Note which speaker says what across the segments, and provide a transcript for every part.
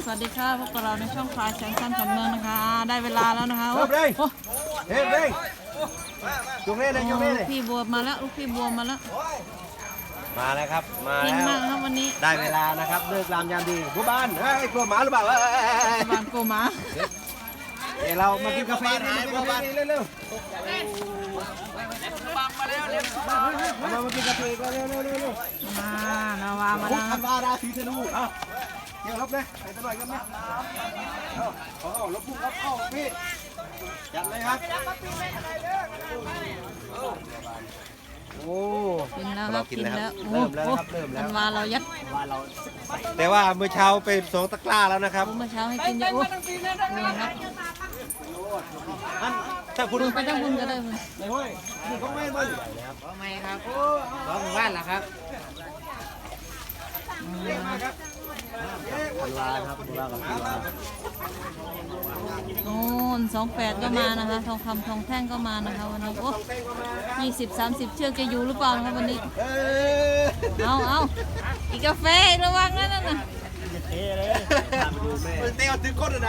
Speaker 1: สวัสดีค่ะพวกเราในช่องพลายแสงสั้นขันเมืองนะคะได้เวลาแล้วนะคะ
Speaker 2: เริ่มเลยเฮ้ยเร่งจุกเล่นเลยจุกเล่นเลย
Speaker 1: พี่บัวมาแล้วลูกพี่บัวมาแล้ว
Speaker 2: มาแล้วครับมา
Speaker 1: เก่ง
Speaker 2: แล้ว
Speaker 1: มากครับวันนี้
Speaker 2: ได้เวลานะครับเลิกรามยามดีผู้บ้านเฮ้ยกลัวหมาหรือเปล่า
Speaker 1: บานโกมา
Speaker 2: เดี๋ยวเรามากินกาแฟเร็วมากินกาแฟกันเร็ว
Speaker 1: มานาวามา
Speaker 2: พุท
Speaker 1: แล้ว
Speaker 2: ธันวาราศีธนูอ่ะเดี๋ยวรับเลยไปตะหน่อยกันไหมลบพุ่งครับเข้าพี่จัดเลยครับโอ้
Speaker 1: กินแล้วครับกินแล้ว
Speaker 2: เริ่มแล้วครับเริ่มแล้ว
Speaker 1: ธันวาเรายัด
Speaker 2: แต่ว่าเมื่อเช้าไปสองตะกร้าแล้วนะครับ
Speaker 1: เมื่อเช้าให้กินเยอะนี่ครับ
Speaker 2: ถ้าคุณ
Speaker 1: ไปทั้งบุญก็ได้เลย
Speaker 2: ในห้อยนี่เขาไม่มา
Speaker 3: ไม่ครับร้องหมู่บ้านเหรอครับ
Speaker 1: โอ้28ก็มานะคะทองคำทองแท่งก็มานะคะวันนี้โอ้20-30 เชือกจะอยู่หรือเปล่านะคะวันนี้เอาอีกกาแฟระวังนะนั่นน่ะ
Speaker 2: เต้เอาถึงก้นนะ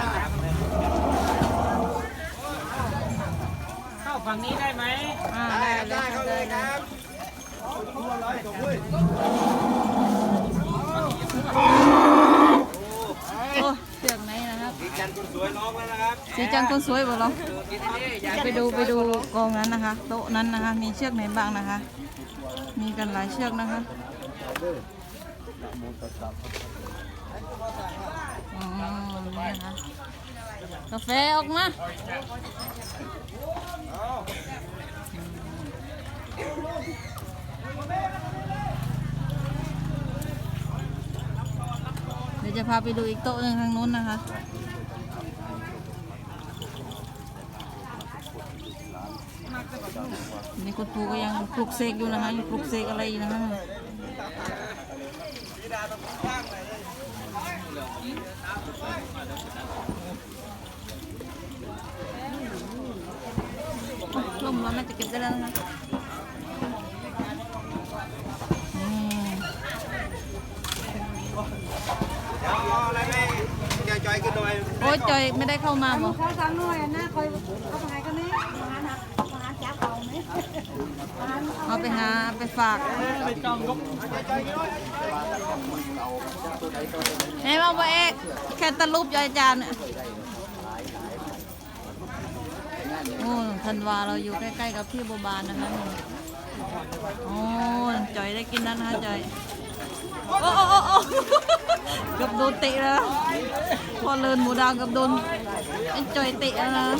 Speaker 3: เข้าฝั่งนี้ได้ไหม
Speaker 1: ได้
Speaker 2: เขาเลยครับตัวร้อยจบด้วย
Speaker 1: โอ้เชือกไหนนะครับ
Speaker 2: สีจันทร์คนสวยร้องแล้วนะครับ
Speaker 1: สีจังคนสวยบ่เราไปดูกองนั้นนะคะโต๊ะนั้นนะคะมีเชือกไหนบ้างนะคะ มีกันหลายเชือกนะคะอ๋อนี่นะคะกาแฟออกมาเดี๋ยวจะพาไปดูอีกโต๊ะหนึ่งทางนู้นนะคะนี่คุณครูก็ยังปลุกเสกอยู่นะคะยังปลุกเสกอะไรอยู่นะคะลมมันจะเก็บได้แล้วนะคะ
Speaker 2: อะไรไม่จอยกันหน่อย
Speaker 1: โอ้ยจอยไม่ได้เข้ามาบ่
Speaker 4: เขาสั่งหน่อยนะคอยเอาไปไหนกันนี่มาหาจับเอาไหม
Speaker 1: เอาไปหาไปฝากเฮ้ยมาบ่เอกแค่ตะลุบยายจานเนี่ยโอ้ธันวาเราอยู่ใกล้ๆกับพี่บัวบานนะคะนี่โอ้จอยได้กินแล้วนะคะจอยโอ้เกือบโดนเตะแล้วพอเลินหมูดาวเกือบโดนไอ้จอยเตะแล้วนะ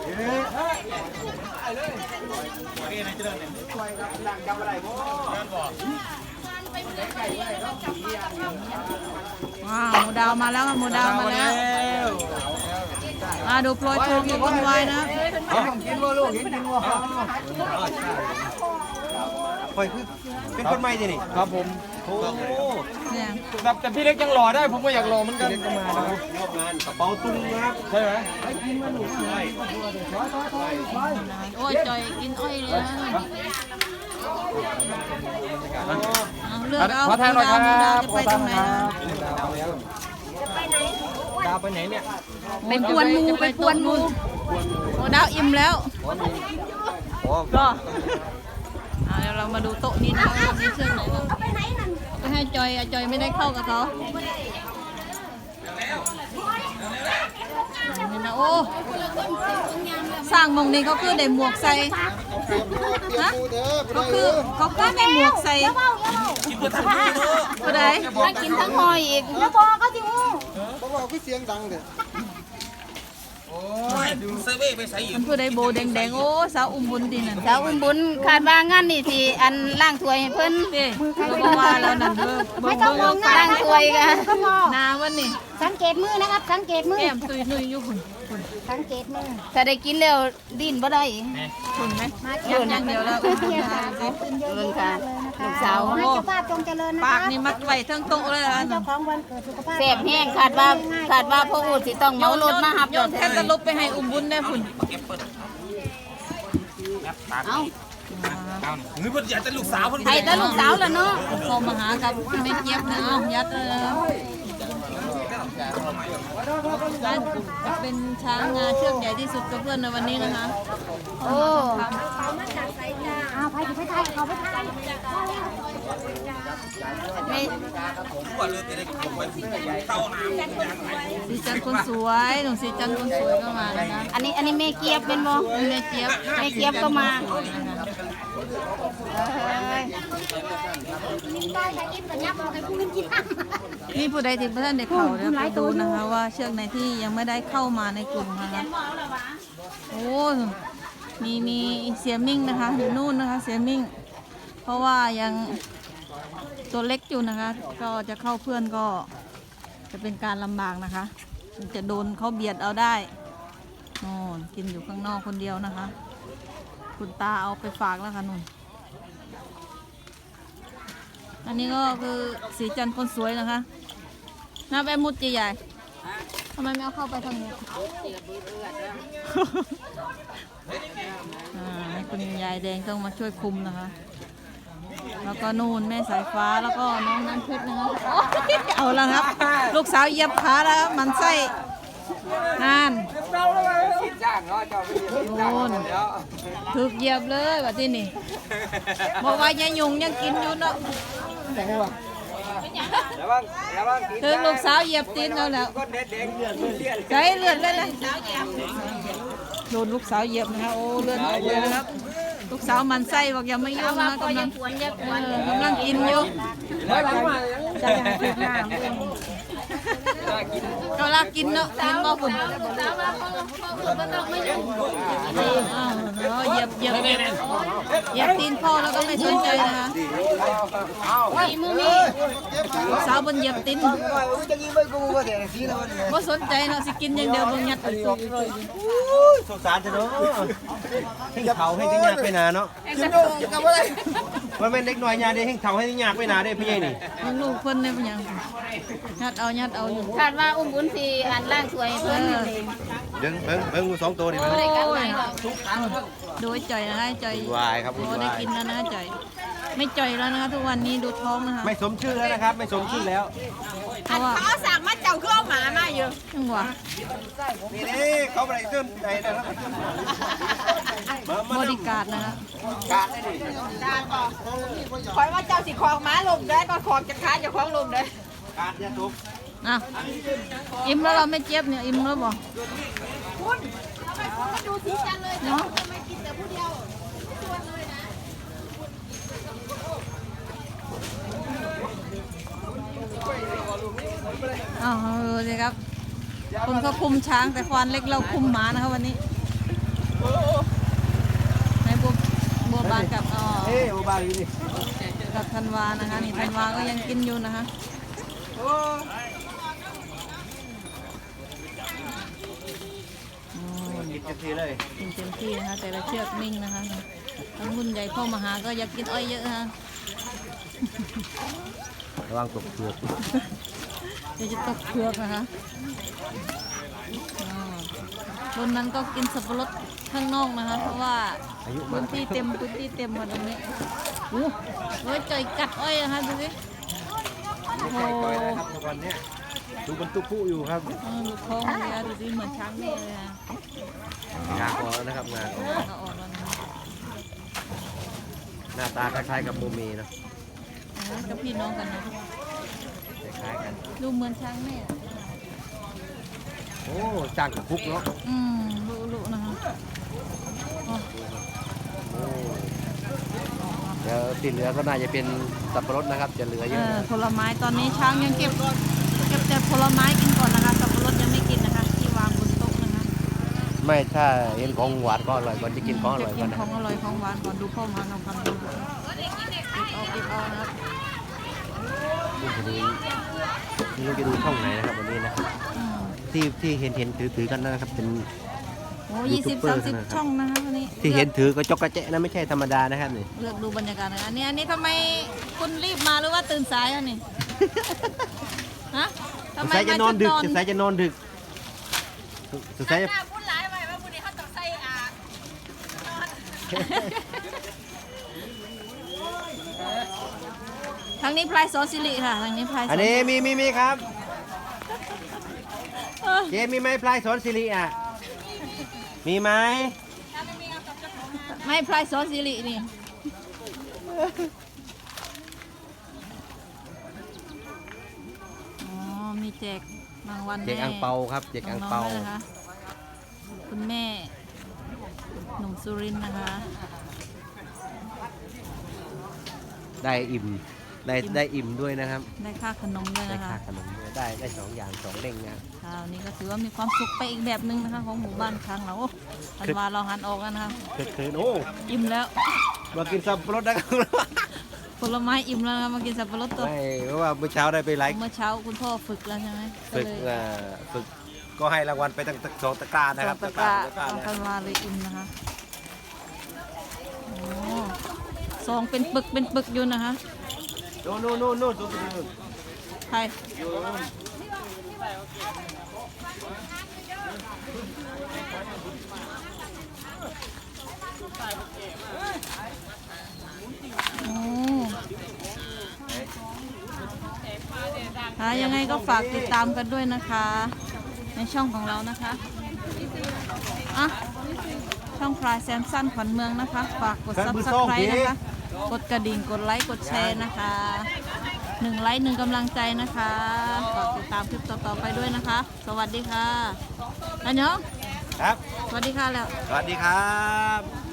Speaker 1: ว้าวหมูดาวมาแล้วหมูดาวมาแล้วดูโปรยทองอยู่บนวายนะ
Speaker 2: กินวัวลูกกินวัวคอยคือเป็นคนใหม่ที่นี่ครับผมโอ้
Speaker 1: เนี่ย
Speaker 3: แบบแต่พี่เล็กยังหล่อได้ผมก็อยากหล่อเหมือนกัน
Speaker 2: ก็มานะครับยกงานกระเป๋าตุ้งนะครับ
Speaker 3: ใช่ไหม
Speaker 1: โอ้ยจอยกินอ้อยเลยนะเลือกเอา
Speaker 3: ขอทางหน่อยครับ
Speaker 1: หมูดาวจะไปตรงไหนนะ
Speaker 3: ดาวไปไหนเนี่ย
Speaker 1: ไปกวนงูไปกวนงูหมูดาวอิ่มแล้วก็เดี๋ยวเรามาดูโต๊ะนี้นะคะมีเชือกไหนบ้างไปให้จอยจอยไม่ได้เข้ากับเขานี่นะโอ้สร้างมงนี้เขาคือได้หมวกใส่ฮะเขาคือได้หมวกใส่ผู้ใด
Speaker 4: มากินทั้งหอยอีกแล้วบอกก็จิ๋ว
Speaker 1: มันผู้ใดโบแดงๆโอ้สาวอุ้มบุญดีนั่น
Speaker 4: สาวอุ้มบุญคาดว่างานนี่ที่อันล่างถ้วยให้เพิ่น
Speaker 1: นี่เขาว่าแล้วนั่นเบิ่ง
Speaker 4: ไม่ต้องมองหน้าล่างถ้วยกัน
Speaker 1: นาวันนี้
Speaker 4: สังเกตมือนะครับสังเกตมือ
Speaker 1: แก้มตุยนุยอยู่คุณ
Speaker 4: สังเกตมือถ้าได้กินแล้วดิ้นบ่ได้
Speaker 1: คุณไหมเยอะอย่างเดียวแล้ว
Speaker 4: เบิ่งค่ะลูกสาวให้เจ้าภาพจงเจริญนะ
Speaker 1: ปากนี่มัดไว้ทั้งโต๊ะเลยอ่ะ
Speaker 4: เจ้าของวันเกิดสุขภาพ
Speaker 3: แสบแห้งขาดว่าพ่ออูดสิต้องเมารถมาหับ
Speaker 1: โยนแค่ตะลุบไปให้อุ้มบุญได้คุณ
Speaker 4: เอา
Speaker 3: หรือว่าอยากจะลูกสาวคน
Speaker 4: ให้แต่ลูกสาวแล้วเนาะ
Speaker 1: พอมาหากับไม่เจี๊ยบนะเอายัดเลยน่าจะเป็นช้างงาเชือกใหญ่ที่สุดกับเพื่อนในวันนี้นะคะ
Speaker 3: โอ้
Speaker 4: เอาไปไปไทยเขาไปไทย
Speaker 3: ไม่
Speaker 1: สีจันทร์คนสวยหนุ่มสีจันทร์คนสวยก็มานะคะ
Speaker 3: อันนี้แม่เกียบเป็นบ่
Speaker 1: แม่เจี๊ยบ
Speaker 3: แม่เกียบก็มาเอ้ย
Speaker 1: นี่ผู้ใดที่ท่านเด็กเขาเดี๋ยวไปดูนะคะว่าเชือกไหนที่ยังไม่ได้เข้ามาในกลุ่มนะคะโอ้มีเสียมิ่งนะคะอยู่นู่นนะคะเสียมิ่ง เพราะว่ายังตัวเล็กอยู่นะคะ ก็จะเข้าเพื่อนก็จะเป็นการลำบากนะคะมันจะโดนเขาเบียดเอาได้โน่นกินอยู่ข้างนอกคนเดียวนะคะ คุณตาเอาไปฝากแล้วค่ะนุ่นอันนี้ก็คือสีจันทร์คนสวยนะคะน้าแอมมุดใหญ่ๆทำไมไม่เอาเข้าไปทางนี้ ให้คุณยายแดงต้องมาช่วยคุมนะคะ แล้วก็นู่นแม่สายฟ้าแล้วก็น้องน้ำเพชรนะคะโอ๊ยเอาละครับ ลูกสาวเหยียบขาแล้วครับมันไส้นานโน่นถึกเหยียบเลยว่าที่นี่บอกว่ายายยุงยังกินอยู่เนาะถึงลูกสาวเหยียบตีนแล้วแล้วใจเลือดเลยนะโดนลูกสาวเหยียบนะคะโอ้เลือดออกเลยนะครับลูกสาวมันไส้บอกอย่าไม่ยุ่งนะกำลังกินอยู่ก็ลากกินเนาะกินบ่คุณเหยียบตีนพ่อแล้วก็ไม่สนใจนะคะลูกสาวบนเหยียบตีนบ่สนใจเนาะสิกินอย่างเดียวบนยัดไปตัว
Speaker 2: สงสารจะเนาะให้เขาให้ที่ยากไปนาเนาะมันเป็นเล็กน้อยยาได้ให้เขาให้ที่ยากไปนาได้พี่ใหญ่นี่
Speaker 1: ลูกเพิ่นได้เป็นหยังยัดเอาอยู่
Speaker 3: คาดว่าอุ้มบุญสิอันล่างสวยเพิ่นนี่เอง
Speaker 2: เบิ้งสองตัวดิ
Speaker 3: บ่ได้กันไหนหรอก
Speaker 1: ดูจ่อยนะคะจ่อยว
Speaker 2: ายครับ
Speaker 1: โอ้ได้กินแล้วนะจ่อยไม่จ่อยแล้วนะคะทุกวันนี้ดูท้องนะคะ
Speaker 2: ไม่สมชื่อแล้วนะครับไม่สมชื่อแล้ว
Speaker 1: เพราะว่า
Speaker 3: เขาสั่งมาเจ้าคือเอาหมามาอยู่
Speaker 1: จังหวะ
Speaker 2: นี่เขาไปเติมใจนะครับ
Speaker 1: บริการนะคะ
Speaker 2: การได้ดิ
Speaker 3: คอยว่าเจ้าสิของหมาลมได้ก็ของจะค้าจะของลมได้
Speaker 2: การยาทุก
Speaker 1: อ่ะอิ่มแล้วเราไม่เจ็บเนี่ยอิ่มแล้วบอก
Speaker 3: ดูสีจันเลย
Speaker 1: เนาะ
Speaker 3: ทำไมกินแต่ผู้เดียวชวนเลยนะ
Speaker 1: อ้าวดูสิครับคุณเขาคุมช้างแต่ควานเล็กเราคุมหมานะคะวันนี้ในบัวบานกับ
Speaker 2: เฮ้ยโอบาลีนี่
Speaker 1: กับธันวานะคะนี่ธันวาก็ยังกินอยู่นะคะ
Speaker 2: กินเต็มที่เลย
Speaker 1: กินเต็มที่นะคะแต่ละเชือกนิ่งนะคะทั้งรุ่นใหญ่พ่อมาหาก็อยากกินอ้อยเยอะนะคะ
Speaker 2: ระวังตกเปลือก
Speaker 1: เดี๋ยวจะตกเผือกนะคะบนนั้นก็กินสับปะรดข้างนอกนะคะ เพราะว่าพื้นที่เต็มมาตรงนี้โอ้โหใจกัดอ้อยนะคะดูสิโอ้โห
Speaker 2: ครับทุกวันนี้ดูบรรทุกผู้อยู่ครับ
Speaker 1: ดูท้องเลยดูสิเหมือนช้างนี่เลยนะ
Speaker 2: งาคอนะครับงาคอ
Speaker 1: ก็ออกแล้วนะคะ
Speaker 2: หน้าตาคล้ายๆกับโมเมนะ
Speaker 1: ก็พี่น้องกันนะ
Speaker 2: คล้ายๆกัน
Speaker 1: ดูเหมือนช้างแม่
Speaker 2: โอ้จ้างกับคุกเนาะ
Speaker 1: ลุนะคะอ๋อ
Speaker 2: โอ้เดี๋ยวติดเหลือก็น่าจะเป็นสับปะรดนะครับจะเหลือเยอะ
Speaker 1: ผลไม้ตอนนี้ช้างยังเก็บแต่ผลไม้กินก่อนนะคะสับปะรดยังไม่กินนะคะที่วางบนโต๊ะนะคะ
Speaker 2: ไม่ถ้าเห็นของหวานก็อร่อยก่อนจะกินของอร่อย
Speaker 1: จะ
Speaker 2: ก่
Speaker 1: กิ
Speaker 2: อน
Speaker 1: น
Speaker 2: นะ
Speaker 1: ของอร่อยของหวานก่อนดูพ่อมาทำคำดูปิดเอานะครับ
Speaker 2: นี่จะดูไม่รู้จะดูช่องไหนนะครับวันนี้นะ
Speaker 1: อืม
Speaker 2: ที่เห็นถือกันนะครับเป็น
Speaker 1: โอ้20-30 ช่องนะคะวันนี้
Speaker 2: ที่เห็นถือกระจกกระเจ๊ะนะไม่ใช่ธรรมดานะครับนี่
Speaker 1: เลือกดูบรรยากาศนะอันนี้ทำไมคุณรีบมาหรือว่าตื่นสายอ่ะนี่ฮะทำไม
Speaker 2: สายจะ
Speaker 1: มาน
Speaker 2: อนดึก
Speaker 1: ชุด
Speaker 2: สายจะนอนดึกสายจะ
Speaker 3: พูดหลายไปว่าผู้นี้เขาต้องใส่
Speaker 1: ทางนี้พลายโซซิลิค่ะทางนี้พลายโซ
Speaker 2: อันนี้มีครับเจมีไหมพลายสอนสิริอ่ะมีไหม
Speaker 1: ไม่พลายซอสซิรินี่อ๋อมีแจกรางวัล
Speaker 2: เจกอังเปาครับเจกอังเปา
Speaker 1: น้ๆด้วยนะคะคุณแม่หนุ่มสุรินทร์นะคะ
Speaker 2: ได้อิ่มได้อิ่มด้วยนะครับ
Speaker 1: ได้ค่าขนมด้วย
Speaker 2: ได้
Speaker 1: นะคะ
Speaker 2: ค่าขนมด้วยได้2 อย่าง2เด้งนะ
Speaker 1: คราวนี้ก็ถือว่ามีความสุขไปอีกแบบหนึงนะคะของหมู่บ้านครั้งเราอันวาเราหันออกกันนะคะ
Speaker 2: คืนโอ้
Speaker 1: อิ่มแล้ว
Speaker 2: มากินสับปะรดนะครับ
Speaker 1: ผลไม้อิ่มแล้วนะคะมากินสับปะรดตัว
Speaker 2: ไม่เพราะว่าเมื่อเช้าได้ไปไลฟ์
Speaker 1: เมื่อเช้าคุณพ่อฝึกแล้วใช่ไหม
Speaker 2: ฝึก
Speaker 1: ก็เลย
Speaker 2: ฝึกก็ให้รางวัลไปตั้ง2 ตะกร้านะครับ
Speaker 1: ตะกร้า
Speaker 2: ตะกร้า
Speaker 1: เอา
Speaker 2: นะ
Speaker 1: กันวาเลยอิ่มนะคะโอ้ซองเป็นปึกอยู่นะคะ
Speaker 2: นู่น
Speaker 1: ใครโอ้ค่ะยังไงก็ฝากติดตามกันด้วยนะคะ ในช่องของเรานะคะอ่ะช่องพลายแซมสันขวัญเมืองนะคะ ฝากกด Subscribe นะคะ กดกระดิ่งกดไลค์กดแชร์นะคะ1 ไลค์ 1 กำลังใจนะคะฝากติดตามคลิปต่อๆไปด้วยนะคะ สวัสดีค่ะอันยอง
Speaker 2: ครับ
Speaker 1: สวัสดีค่ะแล้ว
Speaker 2: สวัสดีครับ